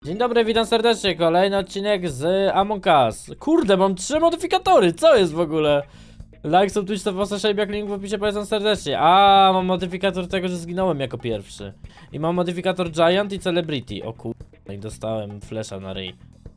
Dzień dobry, witam serdecznie, kolejny odcinek z Among Us. Kurde, mam 3 modyfikatory, co jest w ogóle? Like, sub, Twitch, to posta, jak link w opisie, polecam serdecznie. A, mam modyfikator tego, że zginąłem jako pierwszy. I mam modyfikator Giant i Celebrity. O kurde, i dostałem flesza na ryj.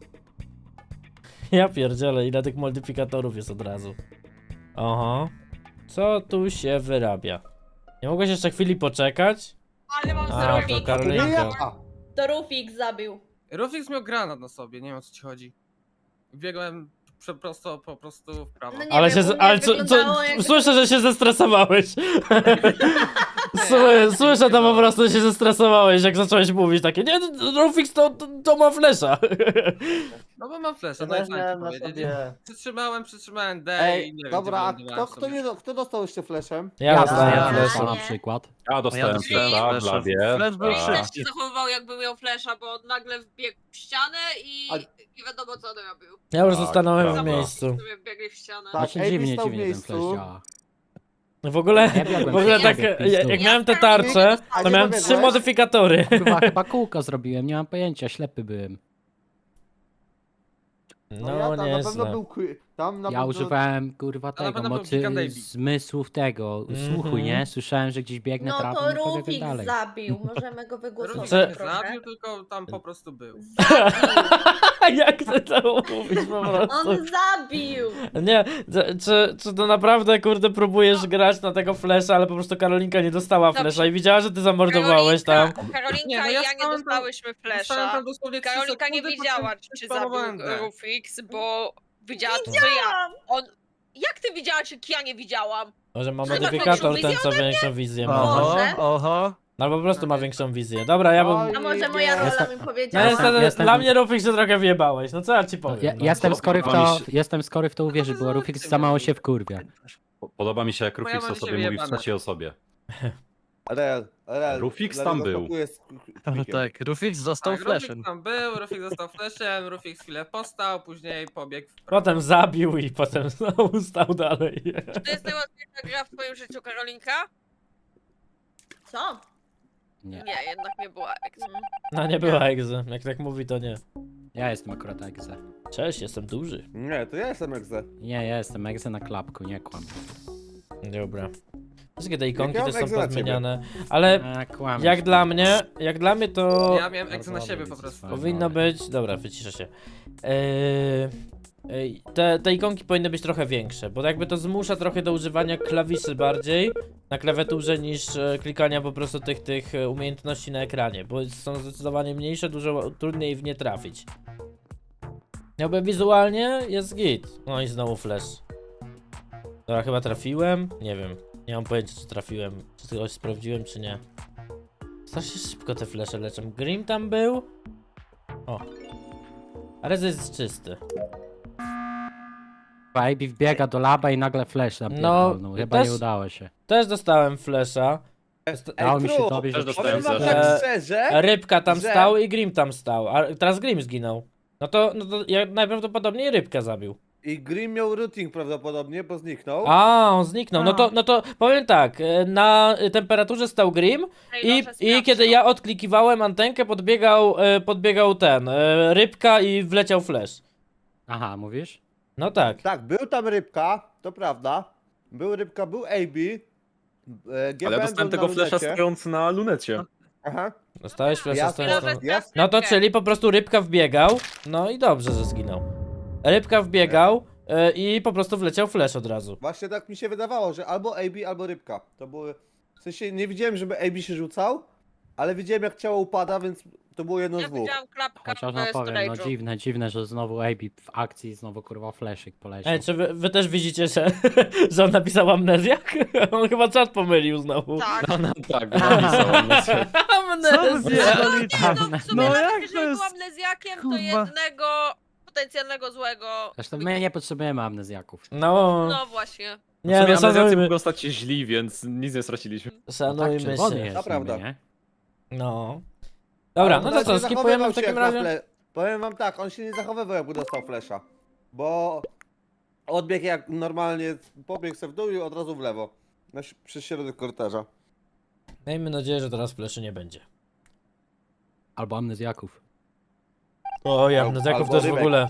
Ja pierdzielę, ile tych modyfikatorów jest od razu. Oho. Co tu się wyrabia? Nie mogłeś jeszcze chwili poczekać? Ale mam A, to Rufik. Karolinka. To Rufik zabił. Rufix miał granat na sobie, nie wiem o co ci chodzi. Biegłem po prostu w prawo. No nie Ale wiem, się, u mnie ale co, wyglądało jak- słyszę, że się zestresowałeś. Słyszę to po prostu, że się zestresowałeś, jak zacząłeś mówić takie, nie, Rufix to ma flesza. No bo mam flesza, Ja no i też co miałem ci na powiedzieć. sobie. Przytrzymałem D Ej, i nie dobra, a wiem, gdzie wylądowałem kto dostał jeszcze flashem? Ja dostałem ja flesza. flesza. na przykład. Ja dostałem dostałem flesza, flasha. Blawie. Flash był Rufik tak. też się zachowywał jakby miał flesza, bo nagle wbiegł w ścianę i A- nie wiadomo co on robił. Ja już Tak, stanąłem w prawda. miejscu. Sobie wbiegli w ścianę. Tak. Właśnie AB dziwnie, stał w dziwnie ten miejscu. flash działa. W ogóle, Ja biegłem w ogóle przy tak, ciebie, jak pizdu. miałem te Ja tarcze, A to nie miałem pobiegłeś? 3 modyfikatory. Kurwa, chyba kółko zrobiłem, nie mam pojęcia, ślepy byłem. No, ja tam na pewno nieźle. był tam na Ja pewno... używałem, kurwa, To na tego, pewno był mocy Chicken Baby. zmysłów tego, słuchu, Mhm. nie? Słyszałem, że gdzieś biegnę, No trafię, to i pobiegłem Rufik dalej. zabił, możemy go Rufix wygłosować Czy- nie trochę. zabił, tylko tam po prostu był. Jak ty to mówisz po prostu? On zabił! Nie, czy to naprawdę, kurde, próbujesz grać na tego flesza, ale po prostu Karolinka nie dostała Dobrze. flesza i widziała, że ty zamordowałeś tam. Karolinka Nie, no i ja ja nie stałem tam- dostałyśmy Dostałem flesza. tam dosłownie 3 Karolika nie sekundy, wiedziała, potem czy spamowałem zabił D. Rufix, bo widziała to, co ja. On... Jak ty widziałaś, jak ja nie widziałam? Może ma Ty masz modyfikator większą ten, co większą wizję ma. Może? oho. Albo po prostu ma większą wizję. Dobra, ja bym... Oj, A może moja rola mi No powiedziała? niestety, dla mnie Rufix się trochę wyjebałeś, no co ja ci powiem. no. Jestem skory w to uwierzyć, bo Rufix za mało się wkurwia. Podoba mi się, jak Bo ja Rufix mam o sobie dzisiaj mówi w wyjebane. trzeciej osobie. Real. Rufix dlatego tam był. skakuję z kwikiem. Tak, Rufix został Tak, flashem. Rufix tam był, Rufix został flashem, Rufix chwilę postał, później pobiegł w prawo. Potem zabił i potem znowu stał dalej. Czy to jest najłatwiejsza gra w twoim życiu, Karolinka? Co? Nie, Nie, jednak nie była Ex. No nie była egzy, jak tak mówi to nie. ja jestem akurat egze. Cześć, jestem duży. Nie, to ja jestem egze. Nie, ja jestem egze na klapku, nie kłam. Dobra. Wszystkie te ikonki Ja też mam są egzę na ciebie. pozmieniane, ale A, kłam. jak dla mnie to Ja miałem eksy na siebie po prostu. powinno być... Dobra, wyciszę się. Te ikonki powinny być trochę większe, bo jakby to zmusza trochę do używania klawiszy bardziej na klawiaturze niż klikania po prostu tych umiejętności na ekranie, bo są zdecydowanie mniejsze, dużo trudniej w nie trafić. Jakby wizualnie jest git. No i znowu flash. Dobra, chyba trafiłem? Nie wiem. Nie mam pojęcia, czy trafiłem, czy coś sprawdziłem, czy nie. Strasznie szybko te flesze leczą. Grim tam był? O. Ale to jest czysty. Baby wbiega do laba i nagle flash napierdolnął. No, chyba też- nie udało się. Też dostałem flesza. Dało mi się Tru, dobić, też że dostałem powiem wam flasha. tak szczerze, Rybka tam że- stał i Grim tam stał. A teraz Grim zginął. No to ja najprawdopodobniej rybkę zabił. i Grim miał routing prawdopodobnie, bo zniknął. A, on zniknął. No to powiem tak. Na temperaturze stał Grim i kiedy ja odklikiwałem antenkę, podbiegał ten rybka i wleciał flash. Aha, mówisz? No tak. Tak, był tam rybka, to prawda. Był rybka, był AB. Ale ja dostałem tego flesza stojąc. stojąc na lunecie. Aha. Dostałeś flasha Ja stojąc Może tam. Ja- No to czyli po prostu rybka wbiegał. No i dobrze, że zginął. Rybka wbiegał i po prostu wleciał flash od razu. Właśnie tak mi się wydawało, że albo AB, albo rybka. To były... W sensie nie widziałem, żeby AB się rzucał, ale widziałem jak ciało upada, więc to było jedno z Ja dwóch. widziałam klapkę Chociaż w no powiem, no storage'u. dziwne, że znowu AB w akcji znowu kurwa flashyk poleciał. Ej, czy wy też widzicie, że on napisał amnezjak? On chyba czat pomylił znowu. Tak. No tak, napisałem. Amnezja! No, w sumie No nawet jak to jeżeli jest? był amnezjakiem, to Kurwa. jednego potencjalnego złego. Zresztą my nie potrzebujemy amnezjaków. No, No właśnie. nie no, amnezjacy szanujmy, mogą stać się źli, więc nic nie straciliśmy. szanujmy czerwony się. jest To prawda. niby, nie? No. Dobra, no to Ale co, nie skipujemy zachowywał w się takim jak na razie? Powiem wam tak, on się nie zachowywał jakby dostał flesza. Bo odbiegł jak normalnie, pobiegł sobie w dół i od razu w lewo. Przez środek korytarza. Miejmy nadzieję, że teraz fleszy nie będzie. Albo amnezjaków. O, ja Albo amnezjaków też w rybek. ogóle.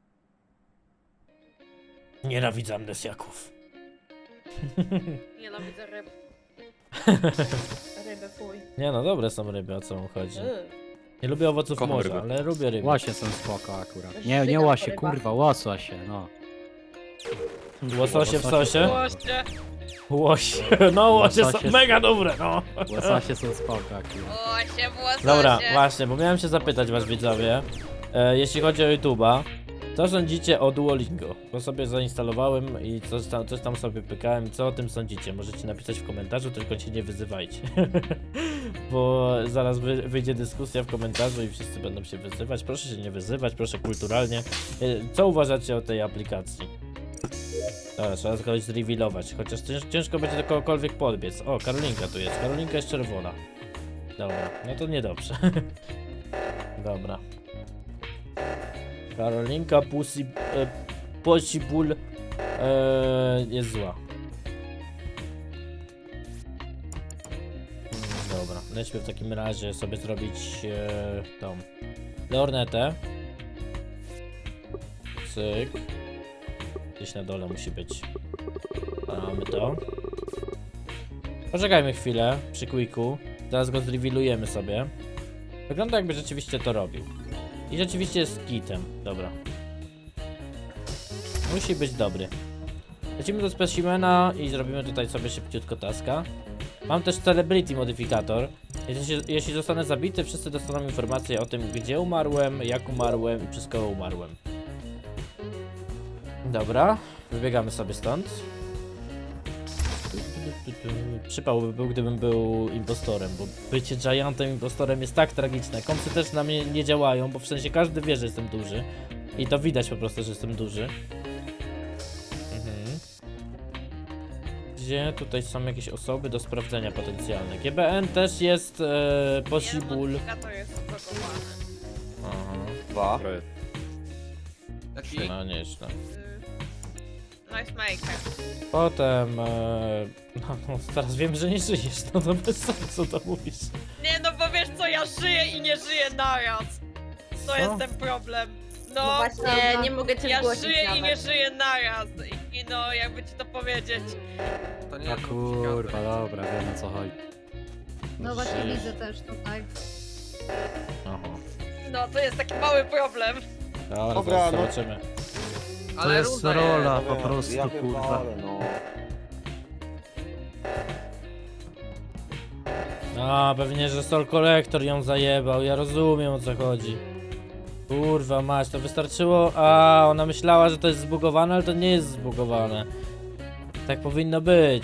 Nienawidzę amnezjaków. Nienawidzę ryb. Ryby, fuj. Nie no, dobre są ryby, o co mu chodzi. Nie lubię owoców Kocham morza, ryby. ale lubię ryby. Łosie są spoko akurat. Nie, Żygam nie po łosie, rybach. kurwa, łososie, no. Łososie w sosie? Właśnie. Łosie. No, łosie są Łososie- mega dobre, no. Łososie są spoko akurat. Łosie, włososie. Dobra, właśnie, bo miałem się zapytać was widzowie, jeśli chodzi o YouTube'a, co sądzicie o Duolingo? Bo sobie zainstalowałem i coś tam sobie pykałem. Co o tym sądzicie? Możecie napisać w komentarzu, tylko się nie wyzywajcie. Bo zaraz wyjdzie dyskusja w komentarzu i wszyscy będą się wyzywać. Proszę się nie wyzywać, proszę kulturalnie. Co uważacie o tej aplikacji? Dobra, trzeba kogoś zrevealować, chociaż ciężko będzie do kogokolwiek podbiec. O, Karolinka tu jest. Karolinka jest czerwona. Dobra, no to niedobrze. Dobra. Karolinka Possible jest zła. Dobra, lećmy w takim razie sobie zrobić tą lornetę. Cyk. Gdzieś na dole musi być. Mamy to. Poczekajmy chwilę przy quicku. Zaraz go zrevealujemy sobie. Wygląda jakby rzeczywiście to robił. I rzeczywiście jest kitem. Dobra. Musi być dobry. Lecimy do specimena i zrobimy tutaj sobie szybciutko taska. Mam też celebrity modyfikator. Jeśli zostanę zabity, wszyscy dostaną informację o tym, gdzie umarłem, jak umarłem i przez kogo umarłem. Dobra, wybiegamy sobie stąd. Przypał by był, gdybym był impostorem, bo bycie giantem impostorem jest tak tragiczne. Kompsy też na mnie nie działają, bo w sensie każdy wie, że jestem duży. I to widać po prostu, że jestem duży. Gdzie tutaj są jakieś osoby do sprawdzenia potencjalne? GBN też jest possible. To jest zblokowany. Aha, 2. Taki... no nieźle. Nice maker. Potem, no teraz wiem, że nie żyjesz, no to bez sensu to mówisz. Nie no, bo wiesz co, ja żyję i nie żyję naraz. To Co? jest ten problem. No, No właśnie, nie mogę cię ja zgłosić żyję i nawet. nie żyję naraz. I no, jakby ci to powiedzieć. To nie A jest kurwa, dobra, wiem o co chodzi. No właśnie widzę też tutaj. Aha. No, to jest taki mały problem. Dobra, Dobra, zaraz no. zobaczymy. Ale jest runda rola. jest. po prostu, ja kurwa. pierdolę, no. A, pewnie, że Soul Collector ją zajebał, ja rozumiem o co chodzi. Kurwa mać, to wystarczyło... A, ona myślała, że to jest zbugowane, ale to nie jest zbugowane. Tak powinno być.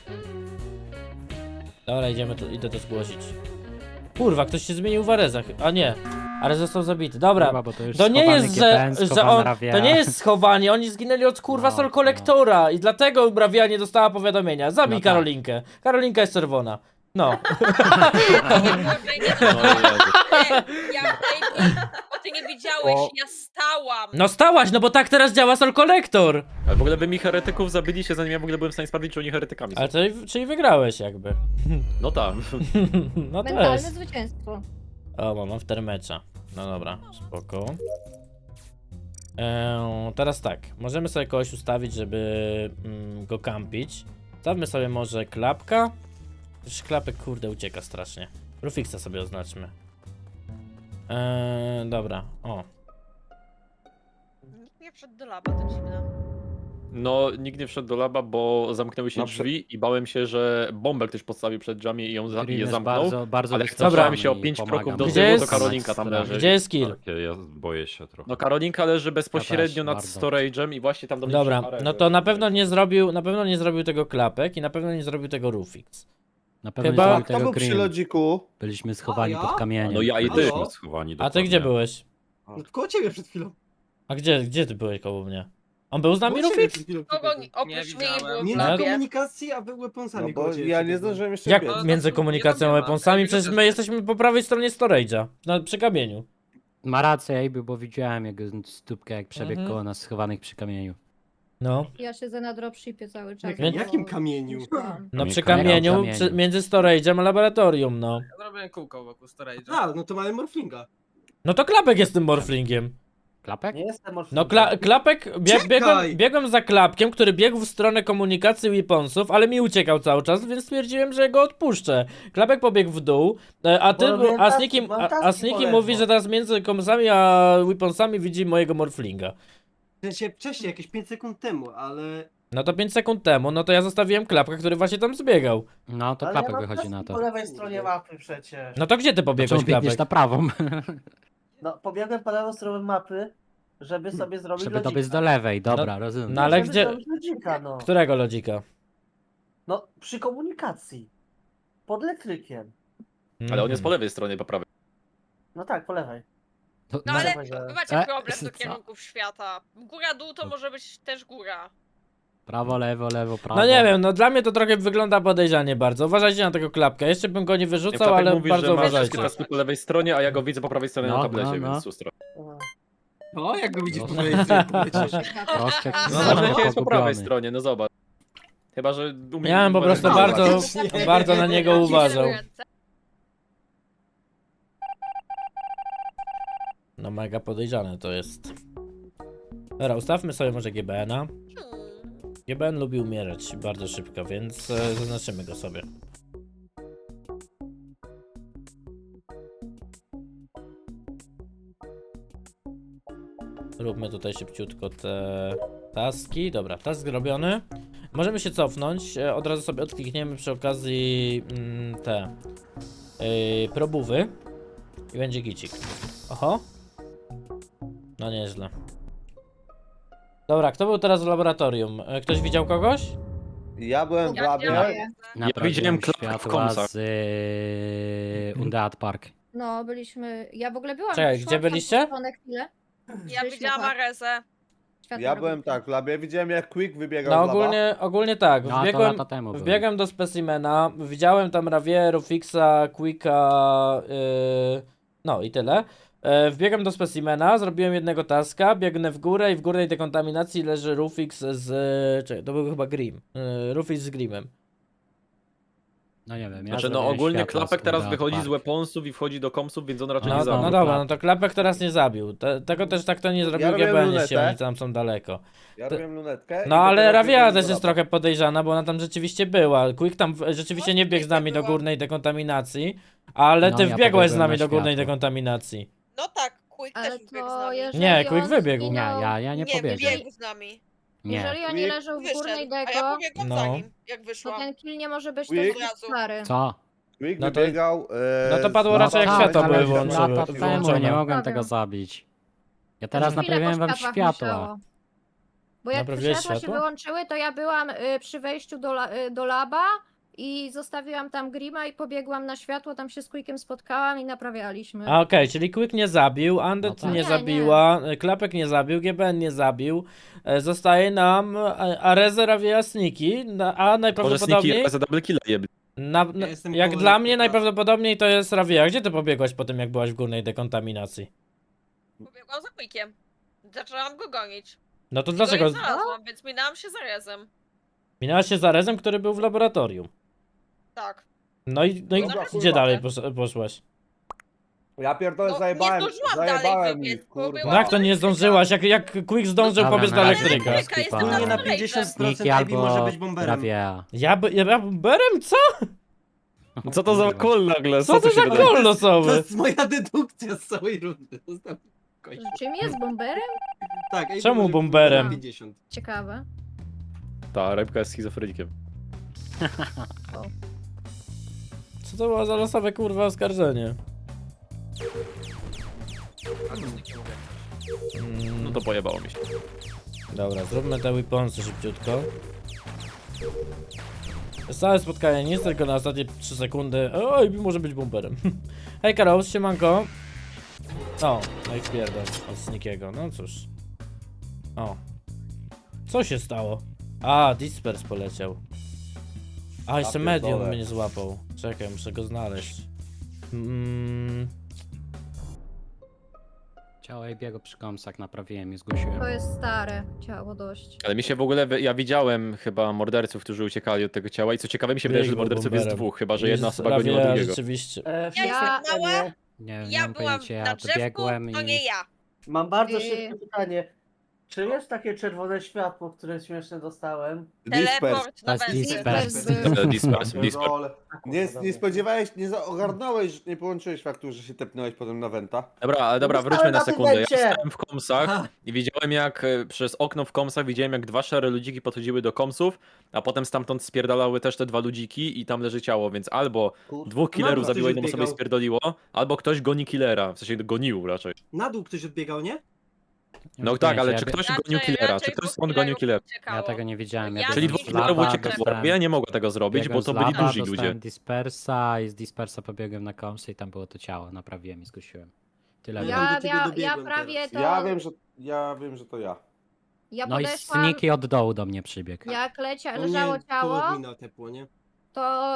Dobra, idę to zgłosić. Kurwa, ktoś się zmienił w Arezach. A nie, Arez został zabity. Dobra, Kurwa, bo to już to nie schowany jest, GPN, że schowana on... Ravia. To nie jest schowanie, oni zginęli od kurwa No, Soul Collectora i dlatego Bravia nie dostała powiadomienia. Zabij No tak. Karolinkę. Karolinka jest czerwona. No. Ja bo ty nie widziałeś, O. ja stałam. No stałaś, no bo tak teraz działa Soul Collector. Ale w ogóle by mi heretyków zabiliście, zanim ja w ogóle byłem w stanie sprawdzić, czy oni heretykami są. Ale to, czyli wygrałeś jakby. No tak. No to Mentalne jest. zwycięstwo. O, mam aftermatcha. No dobra, spoko. Teraz tak, możemy sobie kogoś ustawić, żeby go kampić. Stawmy sobie może klapka. Już klapek kurde ucieka strasznie. Rufixa sobie oznaczmy. Dobra, o. Nikt nie wszedł do laba, to dziwne. No, nikt nie wszedł do laba, bo zamknęły się Na przykład- drzwi i bałem się, że bombę ktoś postawił przed drzwiami i ją Green je jest zamknął. bardzo, bardzo ale wystraszony cofałem się o i 5 pomaga kroków do mu. Gdzie tyłu, to jest- Karolinka tam leży. Gdzie jest kill? Takie, ja boję się trochę. No Karolinka leży bezpośrednio Ja też nad bardzo. storage'em i właśnie tam do mnie Dobra, przyszła Areza. no to na pewno nie zrobił tego klapek i na pewno nie zrobił tego Rufix. Na pewno Chyba- nie Kto tego był przy Green. lodziku? Byliśmy schowani A ja? pod kamieniem. No ja i ty. Halo? Schowani A ty dokładnie. gdzie byłeś? No, koło ciebie przed chwilą. A gdzie ty byłeś koło mnie? On był z nami Koło ciebie Rufix? przed chwilą Kogo przebiegłem. oprócz mnie nie widziałem. było w Nie na labie? komunikacji, a były weaponsami No koło bo ciebie ja nie przebiegłem. zdążyłem jeszcze Jak biec. między komunikacją a nie weaponsami? ma. Przecież my jesteśmy po prawej stronie storage'a. Przy kamieniu. Ma rację, Ejby, bo widziałem jego stópkę, jak przebiegł Mhm. koło nas schowanych przy kamieniu. No. Ja siedzę na dropshipie cały czas. Czekaj, jakim kamieniu? No przy Kamieniu. kamieniu, Kamieniu. między storage'em a laboratorium, no. Zrobiłem kółko wokół storage'a. A, no to mamy morflinga. No to Klapek jest tym morflingiem. Klapek? Nie jestem No Klapek, Czekaj! biegłem za Klapkiem, który biegł w stronę komunikacji weaponsów, ale mi uciekał cały czas, więc stwierdziłem, że go odpuszczę. Klapek pobiegł w dół, a Sniki mówi, że teraz między komsami a weaponsami widzi mojego morflinga. W sensie wcześniej, jakieś 5 sekund temu, ale... No to 5 sekund temu, no to ja zostawiłem Klapka, który właśnie tam zbiegał. No to Klapek wychodzi na to. Po lewej stronie mapy przecież. No to gdzie ty pobiegłeś, Czemu biegniesz Klapek? na prawą? No, pobiegłem po lewą stronę mapy, żeby sobie zrobić Żeby lodzika. dobiec do lewej, dobra, rozumiem. No ale Żeby gdzie... zrobić lodzika, no. Którego lodzika? No, przy komunikacji. Pod elektrykiem. Ale on jest po Mhm. lewej stronie, po prawej. No tak, po lewej. To- No no, ale Dawaj, wy macie E, problem do co? kierunków świata. Góra-dół to może być też góra. Prawo, lewo, prawo. No nie wiem, no dla mnie to trochę wygląda podejrzanie bardzo. Uważajcie na tego Klapka. Jeszcze bym go nie wyrzucał, Klapek ale mówi, bardzo że ma uważajcie. wszystkie taski po lewej stronie, a ja go widzę po prawej stronie No, na tablecie, no. więc sustro. O, jak go widzisz No. po mojej stronie, polecisz. Troszkę No Znowu może jest po prawej pogubiony. stronie, no zobacz. Chyba, że umie... Ja bym po prostu Dobra. bardzo na niego uważał. Ręce. No mega podejrzane to jest. Dobra, ustawmy sobie może GBN-a. Hmm. GBN lubi umierać bardzo szybko, więc zaznaczymy go sobie. Róbmy tutaj szybciutko te taski. Dobra, task zrobiony. Możemy się cofnąć. Od razu sobie odklikniemy przy okazji te probówy. I będzie gicik. Oho. No nieźle. Dobra, kto był teraz w laboratorium? Ktoś widział kogoś? Ja byłem w Ja labie. widziałem. Naprawiłem widziałem Klapka w światła komsach. z Undead Park. No, byliśmy... Ja w ogóle byłam... Czekaj, szłam gdzie tam byliście? po stronę chwilę. Ja Wyszli, widziałam tak. Arezę. Światło Ja byłem robiły. tak w labie, widziałem jak Quick wybiegał No z laba. ogólnie tak. No a to Wbiegłem, lata temu było. wbiegłem do specimena, widziałem tam Ravieru, Fixa, Quicka, no i tyle. Wbiegam do specimena, zrobiłem jednego taska, biegnę w górę i w górnej dekontaminacji leży Rufix z... Czekaj, to był chyba Grim. Rufix z Grimem. No nie wiem, ja Znaczy, no zrobiłem ogólnie światła Klapek z teraz Undead wychodzi z Park. weaponsów i wchodzi do komsów, więc on raczej No, nie no zabił. dobra, no to Klapek teraz nie zabił. Tego też tak to nie zrobił robiłem GBN, lunetę. jeśli oni tam są daleko. Ja robiłem lunetkę. i No ale dopiero Ravia biegłem też do jest laba. trochę podejrzana, bo ona tam rzeczywiście była. Quick tam rzeczywiście nie biegł z nami do górnej dekontaminacji, ale No, ty ja wbiegłeś z pobiegłem nami na do górnej światło. dekontaminacji. No tak, Quick Ale też biegł z to nami. jeżeli Nie, Quick on wybiegł. Nie, zginął- ja nie pobiegłem. biegł z nami. Nie. Jeżeli oni Quick leżą w górnej Wyszedł, a ja deko, pobiegłam No. za nim, jak to wyszłam. ten kill nie może być Quick? też stary. Co? Quick No to- wybiegał. no to padło z raczej jak laba, światła ale były widziałem, włączone. Lata temu włączone. nie mogłem Dobra. tego zabić. Ja teraz Chwilę naprawiłem po wam światłach światła. musiało. Bo jak Naprawiłeś światła się światła? wyłączyły, to ja byłam przy wejściu do laba i zostawiłam tam Grima i pobiegłam na światło, tam się z Quickiem spotkałam i naprawialiśmy. A okej, czyli Quick nie zabił, Undead No tak. nie Nie, zabiła, Klapek nie zabił, GBN nie zabił. Zostaje nam Areze, Ravia, Sniki, a Może najprawdopodobniej... Sniki za double killa jebli. Ja jestem Jak koło dla mnie Ravia. najprawdopodobniej to jest Ravia. Gdzie ty pobiegłaś po tym, jak byłaś w górnej dekontaminacji? Pobiegłam za Quickiem. Zaczęłam go gonić. No to Go dlaczego? nie znalazłam, więc minęłam się za Rezem. Minęłaś się z Arezem, który był w laboratorium. Tak. No i Dobra, gdzie kurwa. dalej poszłaś? Ja pierdolę, No, nie zajebałem. zdążyłam dalej Zajebałem wybiec, ich, bo kurwa. była- No jak to nie zdążyłaś? Jak Quick zdążył Dobra, pobiec do na razie. elektryka? Elektryka, Skipa. jestem Nie na na 50% Sniki AB może albo być bomberem. Ravia. Ja bomberem? Co? Co to za kol nagle? Co to tu za się wydarzy? kol To losowy? jest moja dedukcja z całej rundy. Zostaw kość. Czym jest bomberem? Tak, AB Czemu może być bomberem? 50. Ciekawe. Ta, rybka jest schizofrenikiem. Co to było za losowe kurwa oskarżenie? No to pojebało mi się. Dobra, zróbmy te weaponsy szybciutko. Jest całe spotkanie, nic, tylko na ostatnie 3 sekundy. Oj, może być bomberem. Hej Karol, siemanko. O, no i wpierdol od Snikiego, no cóż. O. Co się stało? A, Dispers poleciał. A, jeszcze pierdolę. Medium mnie złapał. Czekaj, muszę go znaleźć. Ciało AB'ego przy komsach naprawiłem i zgłosiłem. To jest stare ciało dość. Ale mi się w ogóle, ja widziałem chyba morderców, którzy uciekali od tego ciała i co ciekawe mi się wydaje, że Biegł morderców jest bomberem. dwóch, chyba że jedna Jest osoba goniła Ravia, drugiego. rzeczywiście. Ja Ja- jestem mała, Nie, nie Ja mam byłam pojęcia, na ja drzewku, dobiegłem to i... nie ja. Mam bardzo Yy. szybkie pytanie. Czy jest takie czerwone światło, które śmieszne dostałem? Dispers. Teleport na To jest węzy. Dispers Dispers. był. Pierdolę. Nie dobra. spodziewałeś, ogarnąłeś, nie połączyłeś faktu, że się tepnąłeś potem na Wenta? Dobra, ale dobra, Dostałem wróćmy na na sekundę. Ja tydencie. stałem w komsach i widziałem jak przez okno w komsach widziałem jak dwa szare ludziki podchodziły do komsów, a potem stamtąd spierdalały też te dwa ludziki i tam leży ciało, więc albo dwóch killerów ktoś zabiło jedną osobę i odbiegał. spierdoliło, albo ktoś goni killera, w sensie gonił raczej. Na dół ktoś odbiegał, nie? Nie No mam tak, pojęcia, ale ja czy bie- ktoś Raczej- gonił killera? raczej Czy ktoś dwóch stąd gonił killerów killera? uciekało. Ja tego nie widziałem, ja Ja Czyli biegłem dwóch z killerów laba, uciekało. dostałem- Ja nie mogę tego zrobić, biegłem bo to z byli laba, duzi ludzie. dostałem Dispersa i z Dispersa pobiegłem na komsy i tam było to ciało, naprawiłem i zgłosiłem. Tyle wiem. do Ja, ciebie ja, ja dobiegłem prawie teraz. to... Ja wiem, że to ja. Ja No i podeszłam, Sniki od dołu do mnie przybiegł. jak U leżało mnie ciało, koło admina tepło, nie? to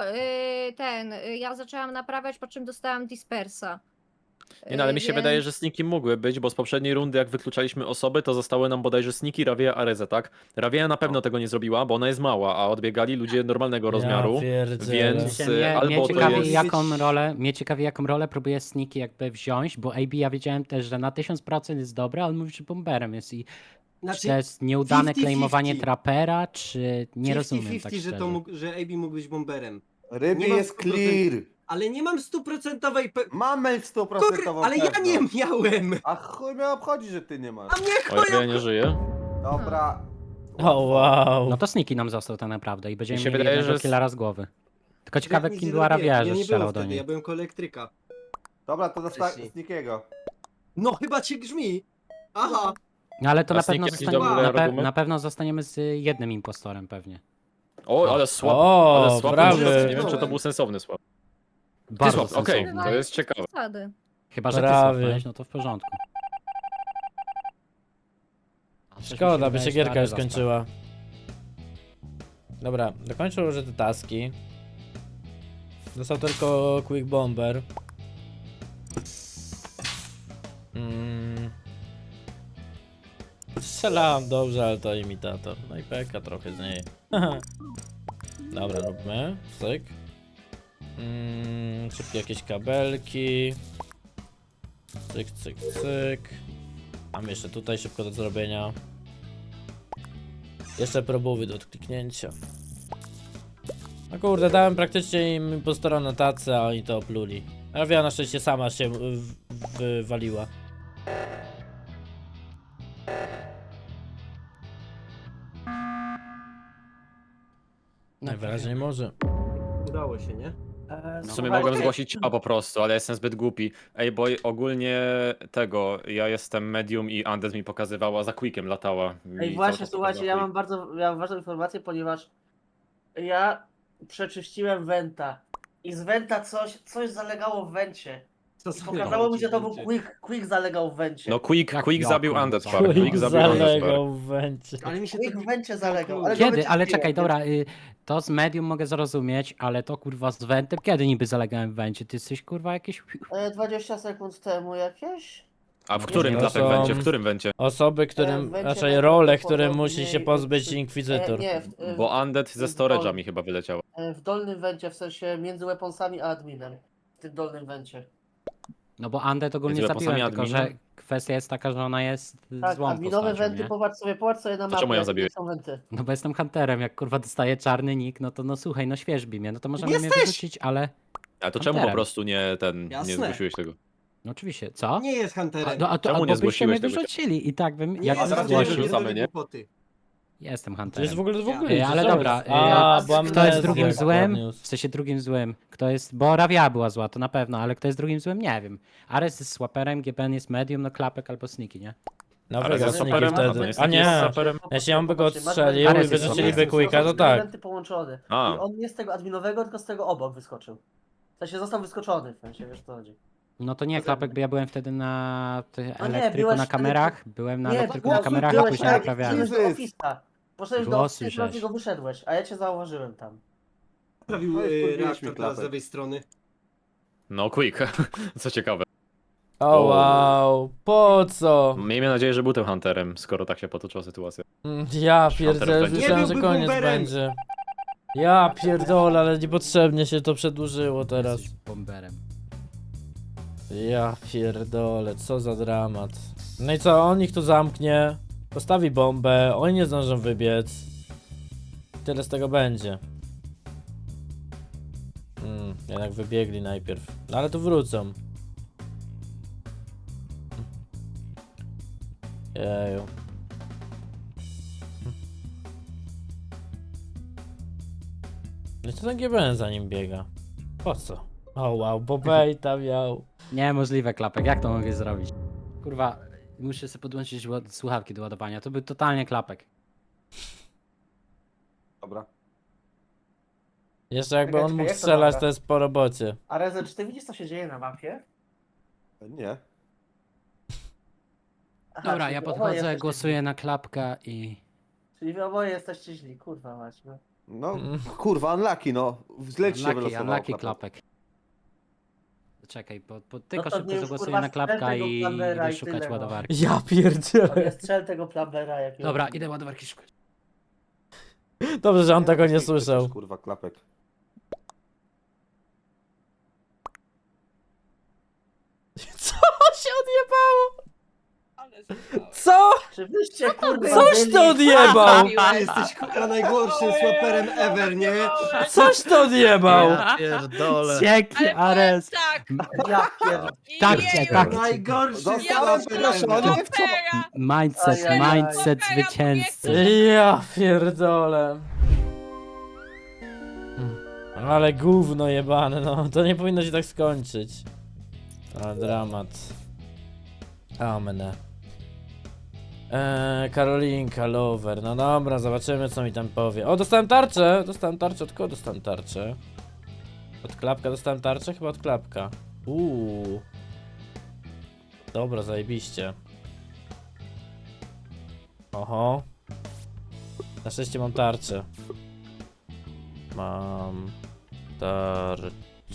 ja zaczęłam naprawiać, po czym dostałam Dispersa. Nie no, ale mi się Więc- wydaje, że sniki mogły być, bo z poprzedniej rundy jak wykluczaliśmy osoby, to zostały nam bodajże sniki, Ravia, Areza, tak? Ravia na pewno tego nie zrobiła, bo ona jest mała, a odbiegali ludzie normalnego rozmiaru, Ja pierdzielę. więc Mnie, mnie albo to ciekawi, jest... jaką rolę próbuje Sniki jakby wziąć, bo AB ja wiedziałem też, że na 1000% jest dobry, ale on mówi, że bomberem jest i czy to jest nieudane 50-50. claimowanie trapera, czy nie rozumiem 50-50, tak że, szczerze. to mógł, że AB mógł być bomberem. Ryby Nie mam jest 100%. clear. Ale nie mam 100% Mamy 100% ale ja nie miałem! A chuj mnie obchodzi, że ty nie masz. A mnie O, Ravia nie żyje. Dobra. O wow. No to Sniki nam został tak naprawdę i będziemy Mi się mieli wydaje, jednego że killera z głowy. Tylko ciekawe, nic kim nie była robiłem. Ravia, Ja że nie strzelał byłem do wtedy, niej. ja byłem koło elektryka. Dobra, to Wcześniej. z nikiego. No chyba cię grzmi. Aha. No ale to A na Sniki pewno, jakiś zostanie, dobry na, argument? na pewno zostaniemy z jednym impostorem pewnie. O, ale słab. O, Ale słab. brawy. Nie wiem, czy to był sensowny słab. Ty Bardzo słab, okej, sensowny. to jest ciekawe. Zasady. Chyba, że ty Prawie. słapnąłeś, no to w porządku. A coś mi Szkoda, by wydaje, się że gierka już Areza skończyła. Dobra, dokończył już te taski. Został tylko Quick Bomber. Strzelałem dobrze, ale to imitator. No i peka trochę z niej. Dobra, róbmy. Cyk. Szybkie jakieś kabelki. Cyk, cyk, cyk. Mam jeszcze tutaj szybko do zrobienia. Jeszcze próbowy do kliknięcia. No kurde, dałem praktycznie im impostora na tacę, a oni to opluli. Ravia na szczęście sama się wywaliła. Najwyraźniej może. Udało się, nie? W sumie mogłem zgłosić ciała po prostu, ale jestem zbyt głupi. Ej, bo ogólnie tego, ja jestem medium i Andes mi pokazywała, za Quickiem latała. Ej, Mi cały właśnie, czas słuchajcie, ja pokazała mam ważną informację, ponieważ ja przeczyściłem Wenta i z Wenta coś zalegało w Wencie. Co I zalegało pokazało mi, ci że to był będzie? Quick zalegał w Wencie. No Quick Jak zabił Jokon Undead zalegał. Park, Quick zabił Undead Park. Zalegał w węcie. Ale mi się Quick to... w Wencie zalegał. Ale go Kiedy? Ale wyczyściłem, czekaj, więc- dobra, to z medium mogę zrozumieć, ale to kurwa z Wentem, kiedy niby zalegałem w Wencie? Ty jesteś kurwa jakiś... 20 sekund temu jakieś? A w którym To klapek są- będzie? W którym będzie? Osoby, którym, Będzie raczej tak role, prawdopodobnie którym musi się pozbyć Inkwizytor. Nie, Bo Undead ze storage'a mi chyba wyleciało. w dolnym Wencie, w sensie między weaponsami a adminem. W tym dolnym Wencie. No bo Undead ogólnie Między zabiłem, weaponsami tylko że adminem? kwestia jest taka, że ona jest Tak, złą adminowe postacią, wenty, nie? popatrz sobie na mapę. czemu ją jakie zabiłeś? są wenty. No bo jestem hunterem, jak kurwa dostaję czarny nick, no to no słuchaj, no świeżbi mnie, no to możemy mnie Jesteś! wyrzucić, ale... Ale to czemu po Hunterem. prostu nie nie Jasne. zgłosiłeś tego? No oczywiście, co? Nie jest hunterem. No, a to Czemu albo nie byście mnie zgłosiłeś tego wyrzucili i tak bym... Nie Jak jest bym hunterem, zgłosił, wyrzucamy, nie nie? głupoty. jestem To jest hunterem. w ogóle Ale co dobra, jest? A, bo kto jest amnezja drugim złym? podniósł. W sensie drugim złym. Kto jest... Bo Ravia była zła, to na pewno, ale kto jest drugim złym? Nie wiem. Ares jest swaperem, GBN jest medium, no klapek albo sneaky, nie? No Ale wygrał ze Sniki stoperem? wtedy. Jest A nie, stoperem? jeśli on by go Popatrzcie, masz odstrzelił Ares i jest wyrzuciliby stoperem. Quicka, to Są tak. wenty połączone. A. I on nie z tego adminowego, tylko z tego obok wyskoczył. W sensie został wyskoczony, w sensie, wiesz co chodzi. No to nie, To klapek, za- bo ja byłem wtedy na No nie, elektryku byłeś na wtedy- kamerach, byłem na elektryku na byłeś- kamerach, a byłeś później tak, naprawiałem. byłeś do Jesus. ofista. Poszedłeś do Głosy ofista i żeś. go wyszedłeś, a ja cię zauważyłem tam. Sprawił No i wkurwiliśmy reaktor teraz klapek. z lewej strony. No Quick, co ciekawe. O wow, po co? Miejmy nadzieję, że był tym hunterem, skoro tak się potoczyła sytuacja. Ja Hunter pierdzielę, będzie. myślałem, Nie że byłby koniec bomberem. będzie. Ja pierdolę, ale niepotrzebnie się to przedłużyło teraz. Jesteś bomberem. Ja pierdolę, co za dramat. No i co, on ich tu zamknie, postawi bombę, oni nie zdążą wybiec. Tyle z tego będzie. Jednak wybiegli najpierw. No ale tu wrócą. Jeju. No i co ten GBN za nim biega? Po co? O wow, Bobejta miał. Niemożliwe, klapek, jak to mogę zrobić? Kurwa, muszę sobie podłączyć słuchawki do ładowania, to był totalnie klapek. Dobra. Jeszcze jakby on Czekaj, mógł jak to strzelać, dobra? to jest po robocie. A Rezy, czy ty widzisz, co się dzieje na mapie? Nie. Aha, Dobra, czyli ja wy oboje podchodzę, jesteście głosuję na klapka i... źli. Czyli wy oboje jesteście źli, kurwa mać, no. No, kurwa, unlucky, no. Źle ci się wylosowało. Unlucky klapek. klapek. Czekaj, bo tylko to szybko już, zagłosuję kurwa, na klapka strzel tego i Plambera idę i szukać tyle, no. ładowarki. Ja pierdzielę. Nie strzel tego Plambera jakiegoś. Dobra, idę ładowarki szukać. Dobrze, że on tego nie Przecież, słyszał. Kurwa, klapek. Co się odjebało? Ale zostało. Co? Czy wyście, kurwa, Coś byli- ty odjebał! Ty jesteś kurwa najgorszym swaperem ever, nie? Coś ty odjebał! Ja pierdolę. Dzięki, Ale Ares! tak, Ja pierd... Tak, jeju, tak. Najgorszy Zostałem swaper proszony. ever. Opera. Mindset, Ajajaj. mindset zwycięzcy. Ja pierdolę. Ale gówno jebane, no. To nie powinno się tak skończyć. Ale dramat. Amne. Karolinka, lover. No dobra, zobaczymy co mi tam powie. O, dostałem tarczę! Dostałem tarczę, od kogo dostałem tarczę? Od klapka dostałem tarczę? Chyba od klapka. Dobra, zajebiście. Oho. Na szczęście mam tarczę. Mam tarczę.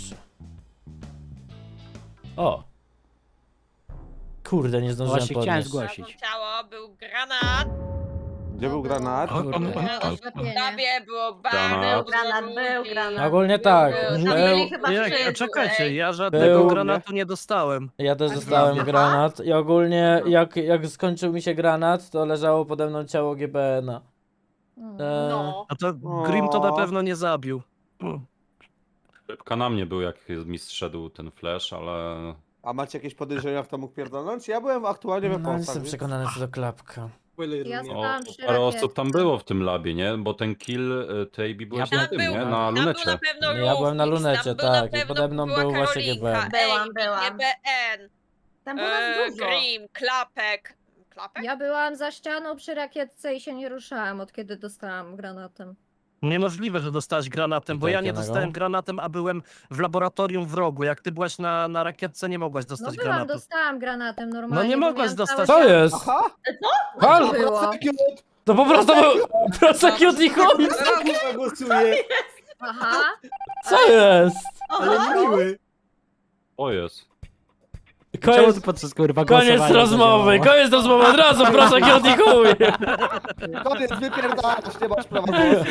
O! Kurde, nie zdążyłem Właśnie chciałem podnieść. zgłosić. Znalazłam ciało, był granat. Gdzie był granat? Kurde. W labie było Granat. bardzo ludzi. Ogólnie tak. Tam Był, byli chyba Jak, wszyscy, czekajcie, ej. ja żadnego Był- granatu nie dostałem. ja też A dostałem gdzie? granat i ogólnie jak skończył mi się granat, to leżało pode mną ciało GBN-a. No. A to Grim to na pewno nie zabił. Szybka na mnie był, jak mi zszedł ten flash, ale... A macie jakieś podejrzenia, kto mógł pierdolnąć? Ja byłem aktualnie we No, Polsce. jestem przekonany co do klapka. Ja O, stałam przy parę osób rakietce. tam było w tym labie, nie? Bo ten kill Tejbi byłeś Ja na Tam tym, był, nie? tam Na był lunecie. na pewno Ja byłem na Rufix, lunecie, tam był na tak, i pewno pode mną była był właśnie Karolinka, GBN. Byłam. GBN, Tam było nas dużo. Grim, Klapek. Klapek? Ja byłam za ścianą przy rakietce i się nie ruszałam od kiedy dostałam granatem. Niemożliwe, że dostałeś granatem, bo Tak, ja nie Janego? dostałem granatem, a byłem w laboratorium w rogu. Jak ty byłaś na rakietce, nie mogłaś No dostać byłam, granatu. dostałam granatem normalnie. No nie bo mogłaś miałam dostać. całe Co ściany. jest? Aha! Halo? Było. To po prostu był prosecute i chuj! Kurwa głosuję, Aha. Co jest? ale miły. O jest. Czemu Koniec, ty podczas kurwa koniec głosowania rozmowy, zadziałało? koniec rozmowy, od razu prosecute i chuj! Koniec, wypierdalasz, nie masz prawa głosu.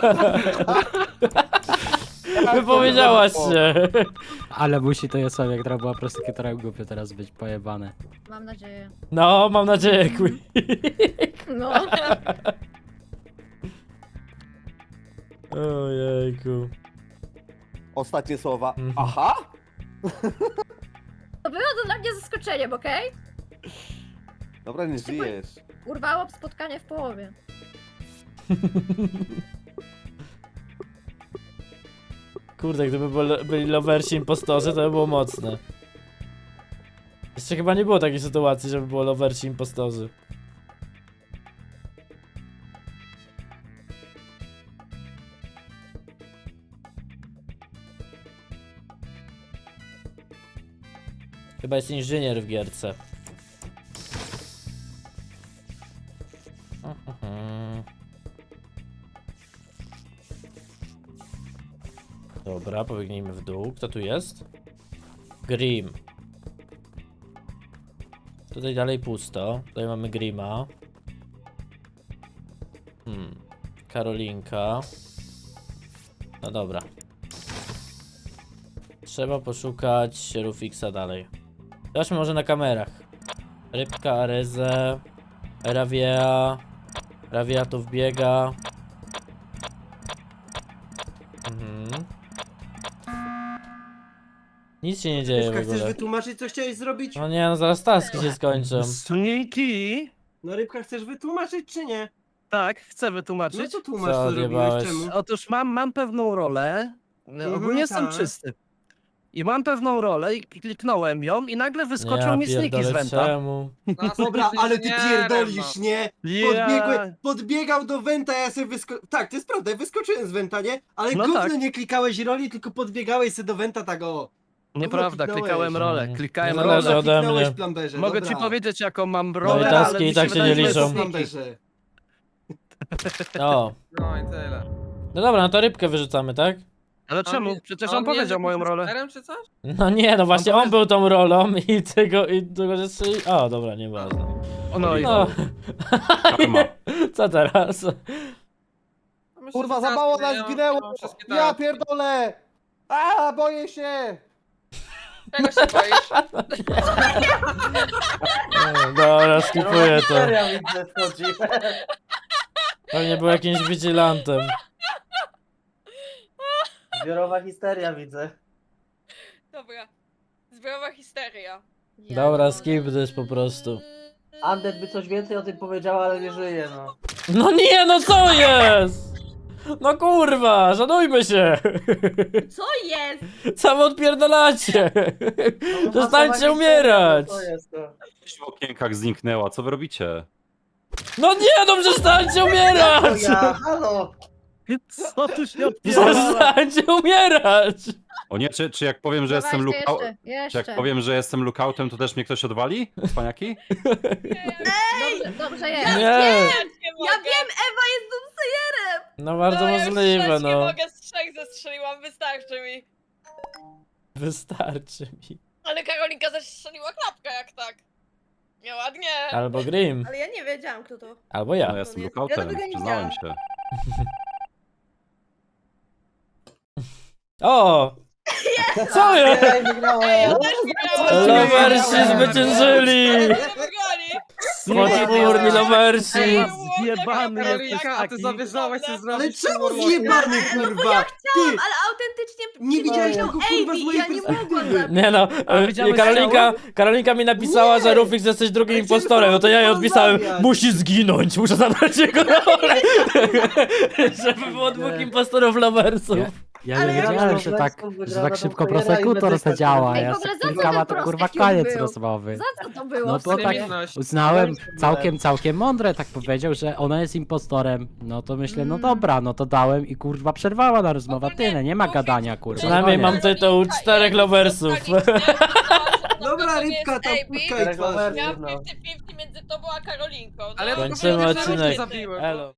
Wypowiedziałaś się. Ale musi to Jasławiak, która była prostytutorem, głupio teraz być pojebane. Mam nadzieję. No, mam nadzieję, Quick. No. Ojejku. Ostatnie słowa. Mhm. Aha! To było to dla mnie zaskoczeniem, okej? Dobra, nie żyjesz. Urwało spotkanie w połowie. Kurde, gdyby byli lowersi impostorzy, to by było mocne. Jeszcze chyba nie było takiej sytuacji, żeby było lowersi impostorzy. Chyba jest inżynier w gierce. Dobra, pobiegnijmy w dół. Kto tu jest? Grim. Tutaj dalej pusto. Tutaj mamy Grima. Karolinka. No dobra. Trzeba poszukać Rufixa dalej. Zobaczmy może na kamerach. Rybka, Arezę, Ravia. Ravia tu wbiega. Mhm. Nic się nie dzieje w Rybka, chcesz ogóle. wytłumaczyć, co chciałeś zrobić? No nie, no zaraz taski się skończą. Sniki? No Rybka, chcesz wytłumaczyć, czy nie? Tak, chcę No wytłumaczyć. to tłumacz, Co co odjebałeś? zrobiłeś, czemu? Otóż mam pewną rolę. Ogólnie jestem tak. czysty. I mam pewną rolę i kliknąłem ją i nagle wyskoczył Ja mi sniki z pierdolę, Wenta. czemu? Dobra, ale ty pierdolisz, nie? Ja... Podbiegał do Wenta, ja sobie Tak, to jest prawda, ja wyskoczyłem z Wenta, nie? Ale No gówno tak. nie klikałeś roli, tylko podbiegałeś sobie do Wenta tak o. Nieprawda, kliknąłeś. klikałem rolę, klikałem Nie rolę. zależy ode Kliknąłeś mnie. Plamberze, Mogę ci dobra. powiedzieć jaką mam No i rolę, taski ale mi i tak się wydaje, nie że liczą. jest sniki. Plamberze. O. No i tyle. No dobra, no to rybkę wyrzucamy, tak? Ale czemu? Przecież on nie powiedział jest moją jakimś rolę. shooterem czy coś? No nie, no właśnie on powiedział- był tą rolą i tego, że strzeli... O, dobra, nieważne. No i No. Co teraz? Myślę, Kurwa, że za mało taski, nas ja zginęło! mam wszystkie Ja taski. pierdolę! A, boję się! Czego się boisz? Dobra, skipuję to. Seria widzę wchodzi. Pewnie był jakimś vigilantem. Zbiorowa histeria widzę. Dobra. Zbiorowa histeria. Dobra, skip this po prostu. Andet by coś więcej o tym powiedziała, ale nie żyje, no. No nie, no co jest? No kurwa, szanujmy się! Co jest? Co wy odpierdalacie? No, Przestańcie masowa umierać! histeria, to jest to. W okienkach zniknęła, co wy robicie? No nie, no przestańcie To umierać! ja, halo! co tu się odpierdala? Przestańcie umierać! O nie, czy jak powiem, że jestem Dawajcie lookout... Czy jak jeszcze. powiem, że jestem lookoutem, to też mnie ktoś odwali? Spaniaki? Dobrze jest. Nie, Ja wiem, Ewa jest doomsayerem! no bardzo ja już możliwe, trzech nie no. mogę, z 3 zestrzeliłam, wystarczy mi. Wystarczy mi. Ale Karolinka zestrzeliła klapkę jak tak. Nieładnie. Albo Grim, Ale ja nie wiedziałam, kto to. albo No ja. jestem Ja lookoutem, tego nie przyznałem widziałam. się. O! Co jest? Ja wygrałem. Ja też wygrałam. Lowersi zwyciężyli! Wygrali. Potwórni lowersi! Ej, zjebany Karolinka, jesteś a ty taki. zamierzałaś sobie Ale zrobić czemu Warlocka. zjebany, kurwa? Ty, Ale autentycznie nie widziałeś tego, kurwa, z mojej ja nie mogłam perspektywy. zabić. Nie no, widziałeś Karolinka mi napisała, że Rufix jesteś drugim Ale impostorem, no to ja jej chciałem odpisałem, porozmawiać. musi zginąć, muszę zabrać jego rolę. Żeby było dwóch impostorów loversów. Ja Ale nie ja wiedziałem, wiem, że że tak, wygrana że tak do szybko Kojera i prosekutor Medyka se działa. Ej, Ja w ogóle se za co klikam, a ten to kurwa prosekium koniec był? rozmowy. Za co to było? No to tak Niewinność. uznałem Dałem całkiem mądre, tak powiedział, że ona jest impostorem. No to myślę, no dobra, no to dałem i kurwa przerwała na rozmowę, tyle, nie ma gadania kurwa. Przynajmniej mam koniec. tytuł 4 loversów. Dobra, Rybka, tam puszczaj twarz. Reklamers, Miałam no. 50-50 między tobą a Karolinką. Ale ja no. tylko Kończymy powiedziałem, że odcinek. cię zabiłem. Elo.